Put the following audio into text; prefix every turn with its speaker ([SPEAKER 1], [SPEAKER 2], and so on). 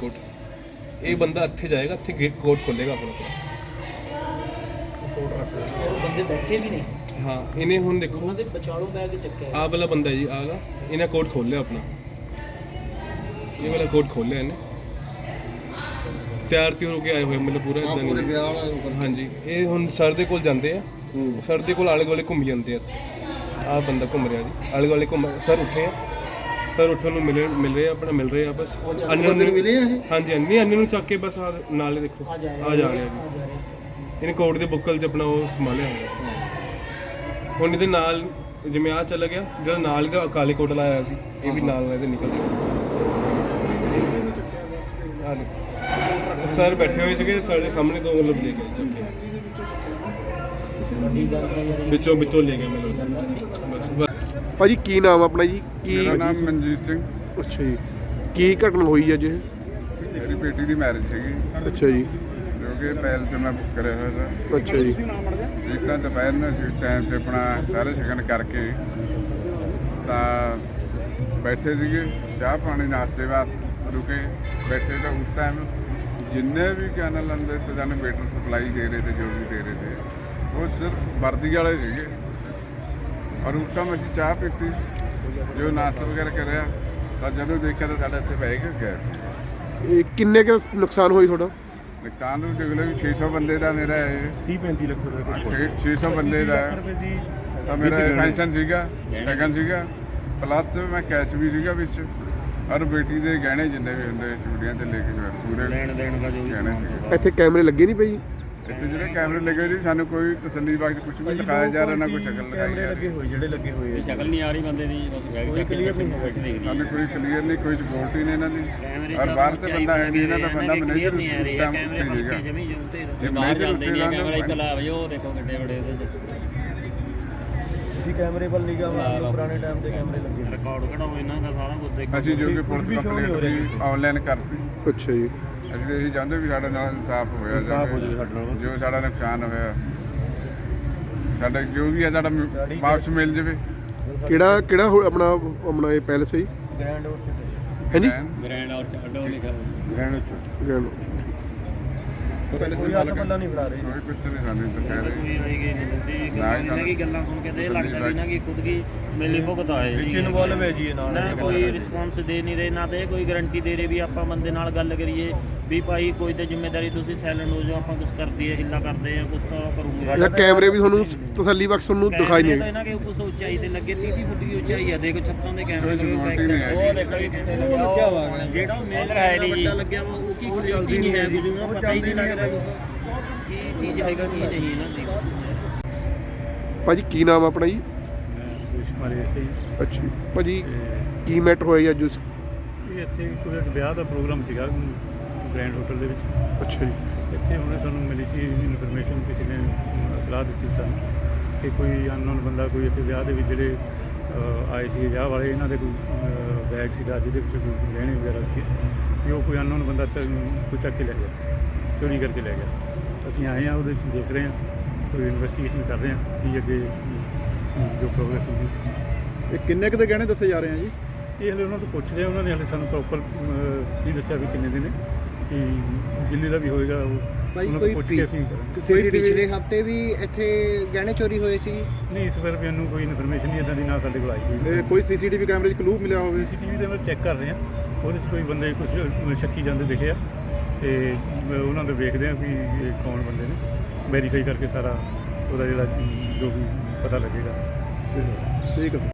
[SPEAKER 1] Coat. ये बंदा इत्थे जाएगा, इत्थे कोट खोलेगा अपना पूरा।
[SPEAKER 2] बंदे बैठे भी नहीं।
[SPEAKER 1] हाँ इन्हें हुण देखो
[SPEAKER 2] उन्होंने बचाड़ो बैग चक्के
[SPEAKER 1] आ वाला बंदा है जी आगा, इन्हें कोट खोल लिया अपना, ये वाला कोट खोल लिया इन्हें, तैयार त्यूर होके आए हुए मतलब पूरा इदां नहीं। हाँ जी ये हुण सर दे कोल जांदे आ, सर दे कोल आले दुआले घूम जांदे आ। आ बंदा घूम रहा जी आले दुआले घूम, सर उठे आ, सर उठन मिल रहे अपना मिल रहे आ बस। हाँ जी नहीं अन्य नूं चक के बस नाले देखो आ जा रहा जी, इन्हें कोट के बुक्कल च अपना वो संभालिया होया। हुण इहदे नाल जिवें आ चला गया जिहड़ा नाल इहदा काले कोट लाया सी, ये भी नाल इहदे निकल गया। सर बैठे हुए थे, सर के सामने तो मतलब ले गए चक्के ਵਿੱਚੋਂ ਲੈ ਗਏ मतलब बस।
[SPEAKER 3] ਭਾਜੀ ਕੀ ਨਾਮ ਆਪਣਾ ਜੀ? ਕੀ
[SPEAKER 4] ਮੇਰਾ ਨਾਮ ਮਨਜੀਤ ਸਿੰਘ।
[SPEAKER 3] ਅੱਛਾ ਜੀ, ਕੀ ਘਟਨਾ ਹੋਈ ਅੱਜ ਇਹ?
[SPEAKER 4] ਮੇਰੀ ਬੇਟੀ ਦੀ ਮੈਰਿਜ ਸੀਗੀ
[SPEAKER 3] ਅੱਛਾ ਜੀ,
[SPEAKER 4] ਜੋ ਕਿ ਪਹਿਲ 'ਚ ਮੈਂ ਬੁੱਕ ਕਰਿਆ ਹੋਇਆ ਸੀ।
[SPEAKER 3] ਅੱਛਾ ਜੀ,
[SPEAKER 4] ਜਿਸ ਤਰ੍ਹਾਂ ਦੁਪਹਿਰ ਨੂੰ ਅਸੀਂ ਟਾਈਮ 'ਤੇ ਆਪਣਾ ਸਾਰੇ ਸ਼ਗਨ ਕਰਕੇ ਤਾਂ ਬੈਠੇ ਸੀਗੇ, ਚਾਹ ਪਾਣੀ ਨਾਸ਼ਤੇ ਵਾਸਤੇ ਰੁਕੇ ਬੈਠੇ, ਤਾਂ ਉਸ ਟਾਈਮ ਜਿੰਨੇ ਵੀ ਕੈਨਲ ਅੰਦਰ ਤੇ ਜਾਨੇ ਵੇਟਰ ਸਪਲਾਈ ਦੇ ਰਹੇ ਤੇ ਜੋ ਵੀ ਦੇ ਰਹੇ थे वो सिर्फ वर्दी वाले ਸੀਗੇ। और उस टाइम ਅਸੀਂ ਚਾਹ ਪੀਤੀ, ਜੋ ਨਾਸ਼ਤਾ ਵਗੈਰਾ ਕਰਿਆ, ਤਾਂ ਜਦੋਂ ਦੇਖਿਆ ਤਾਂ ਸਾਡਾ ਇੱਥੇ ਬਹਿ ਗਿਆ।
[SPEAKER 3] ਇਹ ਕਿੰਨੇ ਕੁ ਨੁਕਸਾਨ ਹੋਈ ਤੁਹਾਡਾ?
[SPEAKER 4] ਨੁਕਸਾਨ ਨੂੰ ਦੇਖ ਲਓ ਵੀ 600 ਬੰਦੇ ਦਾ ਮੇਰਾ ਇਹ
[SPEAKER 3] 30-35 ਲੱਖ ਰੁਪਏ
[SPEAKER 4] 600 ਬੰਦੇ ਦਾ ਤਾਂ ਮੇਰਾ ਪੈਨਸ਼ਨ ਸੀਗਾ, ਸ਼ਗਨ ਸੀਗਾ, ਪਲੱਸ ਮੈਂ ਕੈਸ਼ ਵੀ ਸੀਗਾ ਵਿੱਚ, ਔਰ ਬੇਟੀ ਦੇ ਗਹਿਣੇ ਜਿੰਨੇ ਵੀ ਹੁੰਦੇ ਚੂੜੀਆਂ ਤੇ ਲੈ ਕੇ ਪੂਰੇ ਲੈਣ ਦੇਣ ਦਾ ਜੋ ਗਹਿਣੇ ਸੀਗੇ।
[SPEAKER 3] ਇੱਥੇ ਕੈਮਰੇ ਲੱਗੇ ਨਹੀਂ ਪਈ?
[SPEAKER 4] ਇੱਥੇ ਜਿਹੜੇ ਕੈਮਰੇ ਲੱਗੇ ਜੀ, ਸਾਨੂੰ ਕੋਈ ਤਸੱਲੀ ਬਖਸ਼ ਕੁਝ ਵੀ ਦਿਖਾਇਆ ਜਾ ਰਿਹਾ, ਨਾ ਕੋਈ ਸ਼ਕਲ ਦਿਖਾਈ ਜਾ ਰਹੀ।
[SPEAKER 3] ਜਿਹੜੇ ਲੱਗੇ ਹੋਏ
[SPEAKER 5] ਸ਼ਕਲ ਨਹੀਂ ਆ ਰਹੀ ਬੰਦੇ ਦੀ, ਬਸ ਬੈਗ ਚੱਕ ਕੇ ਬੈਠੇ ਦੇਖਦੀ।
[SPEAKER 4] ਸਾਨੂੰ ਕੋਈ ਕਲੀਅਰ ਨਹੀਂ, ਕੋਈ ਸਪੋਰਟ ਨਹੀਂ ਇਹਨਾਂ ਦੀ, ਔਰ ਬਾਹਰ ਤੇ ਬੰਦਾ ਹੈ ਨਹੀਂ, ਇਹਨਾਂ ਦਾ ਬੰਦਾ ਮੈਨੇਜਰ
[SPEAKER 2] ਨਹੀਂ ਆ ਰਹੀ ਹੈ, ਕੈਮਰੇ ਫੜ ਕੇ ਜਮੀ ਜੁੰਤੇ
[SPEAKER 5] ਜੇ ਬਾਹਰ ਜਾਂਦੇ ਨਹੀਂ ਕੈਮਰਾ ਇੱਥੇ ਲਾ ਵਜੋ, ਉਹ ਦੇਖੋ ਕਿੱਡੇ ਬੜੇ ਇਹਦੇ ਚ
[SPEAKER 3] ਵੀ ਕੈਮਰੇ ਵੱਲ ਨਿਗਾਹ ਮਾਰ ਲਓ, ਪੁਰਾਣੇ ਟਾਈਮ ਦੇ ਕੈਮਰੇ ਲੱਗੇ।
[SPEAKER 2] ਰਿਕਾਰਡ ਕਢਾਓ ਇਹਨਾਂ ਦਾ ਸਾਰਾ ਕੁਝ ਦੇਖੋ।
[SPEAKER 4] ਅਸੀਂ ਜੋ ਕਿ ਪੁਲਿਸ ਕੰਪਲੇਂਟ ਵੀ ਆਨਲਾਈਨ ਕਰਤੀ।
[SPEAKER 3] ਅੱਛਾ ਜੀ,
[SPEAKER 4] ਅਸੀਂ ਇਹੀ ਚਾਹੁੰਦੇ ਵੀ ਸਾਡੇ ਨਾਲ ਇਨਸਾਫ ਹੋਇਆ ਜਾਵੇ, ਜੋ ਸਾਡਾ ਨੁਕਸਾਨ ਹੋਇਆ ਸਾਡਾ ਜੋ ਵੀ ਹੈ ਸਾਡਾ ਵਾਪਸ ਮਿਲ ਜਾਵੇ।
[SPEAKER 3] ਕਿਹੜਾ ਆਪਣਾ ਇਹ ਪੈਲਸ ਹੈ ਜੀ?
[SPEAKER 2] ਗ੍ਰੈਂਡ
[SPEAKER 3] ਹਾਂਜੀ,
[SPEAKER 5] ਗ੍ਰੈਂਡ ਔਰ ਅੱਡੋ ਲਿਖਿਆ
[SPEAKER 3] ਗ੍ਰੈਂਡ
[SPEAKER 2] ਕੋਈ ਬੰਦਾ ਨਹੀਂ ਫੜਾ ਰਹੀ,
[SPEAKER 4] ਕੋਈ ਕੁਛ ਨਹੀਂ ਸਾਨੂੰ ਤਾਂ ਕਹਿ ਰਹੇ।
[SPEAKER 2] ਕੋਈ ਹੋਏਗੀ ਨਹੀਂ ਇਹਨਾਂ ਦੀ ਗੱਲਾਂ ਸੁਣ ਕੇ ਤੇ ਇਹ ਲੱਗਦਾ ਵੀ ਇਹਨਾਂ ਦੀ ਖੁਦ ਕੀ ਮਿਲੀ ਭੁਗਤ ਆਏ ਜੀ, ਇਨਵੋਲਵ ਹੈ ਜੀ ਨਾਲ, ਨਾ ਕੋਈ ਰਿਸਪੌਂਸ ਦੇ ਨਹੀਂ ਰਹੇ, ਨਾ ਤੇ ਕੋਈ ਗਾਰੰਟੀ ਦੇ ਰਹੇ ਵੀ ਆਪਾਂ ਬੰਦੇ ਨਾਲ ਗੱਲ ਕਰੀਏ ਵੀ ਭਾਈ ਕੋਈ ਤੇ ਜ਼ਿੰਮੇਵਾਰੀ ਤੁਸੀਂ ਸਾਇਲੈਂਟ ਹੋ ਜਾਓ, ਆਪਾਂ ਕੁਝ ਕਰਦੀ ਹੈ ਹਿੱਲਾ ਕਰਦੇ ਆ ਕੁਝ ਤਾਂ ਕਰੂੰਗੇ।
[SPEAKER 3] ਜਾਂ ਕੈਮਰੇ ਵੀ ਤੁਹਾਨੂੰ ਤਸੱਲੀ ਬਖਸ਼ ਤੁਹਾਨੂੰ ਦਿਖਾਈ ਨਹੀਂ?
[SPEAKER 2] ਇਹਨਾਂ ਕੇ ਕੁਝ ਉਚਾਈ ਤੇ ਲੱਗੇ 30 ਫੁੱਟ ਦੀ ਉਚਾਈ ਆ, ਦੇਖੋ ਛੱਤਾਂ ਦੇ ਕੈਮਰੇ ਲੱਗੇ,
[SPEAKER 5] ਉਹ ਦੇਖੋ ਜੀ ਕਿੱਥੇ ਲੱਗਿਆ ਹੋਇਆ,
[SPEAKER 2] ਜਿਹੜਾ ਮੇਨ ਹੈ ਨਹੀਂ ਵੱਡਾ ਲੱਗਿਆ ਵਾ ਉਹ ਕੀ ਕੁਆਲਿਟੀ ਨਹੀਂ ਹੈ, ਕੁਝ ਨੂੰ ਪਤਾ ਹੀ ਨਹੀਂ ਲੱਗ ਰਿਹਾ ਕੀ ਚੀਜ਼ ਹੈਗਾ ਕੀ ਨਹੀਂ ਇਹਨਾਂ ਦੀ।
[SPEAKER 3] ਭਾਜੀ ਕੀ ਨਾਮ ਆਪਣਾ ਜੀ?
[SPEAKER 6] ਸੁਰੇਸ਼ ਕੁਮਾਰ ਐਸੇ ਹੀ।
[SPEAKER 3] ਅੱਛਾ ਜੀ, ਭਾਜੀ ਕੀ ਮੈਟਰ ਹੋਇਆ ਅੱਜ?
[SPEAKER 6] ਇਹ ਇੱਥੇ ਕੋਈ ਵਿਆਹ ਦਾ ਪ੍ਰੋਗਰਾਮ ਸੀਗਾ ਗ੍ਰੈਂਡ ਹੋਟਲ ਦੇ ਵਿੱਚ।
[SPEAKER 3] ਅੱਛਾ ਜੀ,
[SPEAKER 6] ਇੱਥੇ ਉਹਨੇ ਸਾਨੂੰ ਮਿਲੀ ਸੀ ਇਨਫੋਰਮੇਸ਼ਨ, ਕਿਸੇ ਨੇ ਇਤਲਾਹ ਦਿੱਤੀ ਸਾਨੂੰ ਕਿ ਕੋਈ ਅਨਨੋਨ ਬੰਦਾ ਕੋਈ ਇੱਥੇ ਵਿਆਹ ਦੇ ਵਿੱਚ ਜਿਹੜੇ ਆਏ ਸੀ ਵਿਆਹ ਵਾਲੇ, ਇਹਨਾਂ ਦੇ ਕੋਈ ਬੈਗ ਸੀਗਾ ਜਿਹਦੇ ਵਿੱਚ ਕੋਈ ਗਹਿਣੇ ਵਗੈਰਾ ਸੀਗੇ, ਕਿ ਉਹ ਕੋਈ ਅਨਨੋਨ ਬੰਦਾ ਕੋਈ ਚੱਕ ਕੇ ਲੈ ਗਿਆ, ਚੋਰੀ ਕਰਕੇ ਲੈ ਗਿਆ। ਅਸੀਂ ਆਏ ਹਾਂ, ਉਹਦੇ ਵਿੱਚ ਦੇਖ ਰਹੇ ਹਾਂ, ਕੋਈ ਇਨਵੈਸਟੀਗੇਸ਼ਨ ਕਰ ਰਹੇ ਹਾਂ ਕਿ ਅੱਗੇ ਜੋ ਪ੍ਰੋਗਰੈਸ ਹੋਊਗੀ।
[SPEAKER 3] ਇਹ ਕਿੰਨੇ ਕੁ ਦੇ ਗਹਿਣੇ ਦੱਸੇ ਜਾ ਰਹੇ ਆ ਜੀ?
[SPEAKER 6] ਇਹ ਹਲੇ ਉਹਨਾਂ ਤੋਂ ਪੁੱਛ ਰਹੇ, ਉਹਨਾਂ ਨੇ ਹਲੇ ਸਾਨੂੰ ਪ੍ਰੋਪਰ ਨਹੀਂ ਦੱਸਿਆ ਵੀ ਕਿੰਨੇ ਦੇ ਨੇ, ਕਿ ਜਿੰਨੇ ਦਾ ਵੀ ਹੋਏਗਾ ਉਹ ਉਹਨਾਂ ਤੋਂ ਪੁੱਛ ਕੇ ਅਸੀਂ ਕਰਾਂਗੇ।
[SPEAKER 7] ਕੋਈ ਪਿਛਲੇ ਹਫਤੇ ਵੀ ਇੱਥੇ ਗਹਿਣੇ ਚੋਰੀ ਹੋਏ ਸੀ?
[SPEAKER 6] ਨਹੀਂ, ਇਸ ਵਾਰ ਮੈਨੂੰ ਕੋਈ ਇਨਫੋਰਮੇਸ਼ਨ ਨਹੀਂ ਇੱਦਾਂ ਦੀ, ਨਾ ਸਾਡੇ ਕੋਲ ਆਈ ਹੋਈ।
[SPEAKER 3] ਕੋਈ ਸੀਸੀਟੀਵੀ ਕੈਮਰੇ 'ਚ ਕਲੂ ਮਿਲਿਆ ਹੋਵੇ?
[SPEAKER 6] ਸੀਸੀਟੀਵੀ ਦੇ ਵਿੱਚ ਚੈੱਕ ਕਰ ਰਹੇ ਹਾਂ, ਉਹਦੇ 'ਚ ਕੋਈ ਬੰਦੇ ਕੁਝ ਸ਼ੱਕੀ ਜਾਂਦੇ ਦਿਖੇ ਆ, ਤੇ ਉਹਨਾਂ ਦੇ ਵੇਖਦੇ ਹਾਂ ਵੀ ਇਹ ਕੌਣ ਬੰਦੇ ਨੇ, ਵੈਰੀਫਾਈ ਕਰਕੇ ਸਾਰਾ ਉਹਦਾ ਜਿਹੜਾ ਜੋ ਵੀ ਪਤਾ ਲੱਗੇਗਾ।
[SPEAKER 3] ਠੀਕ ਹੈ।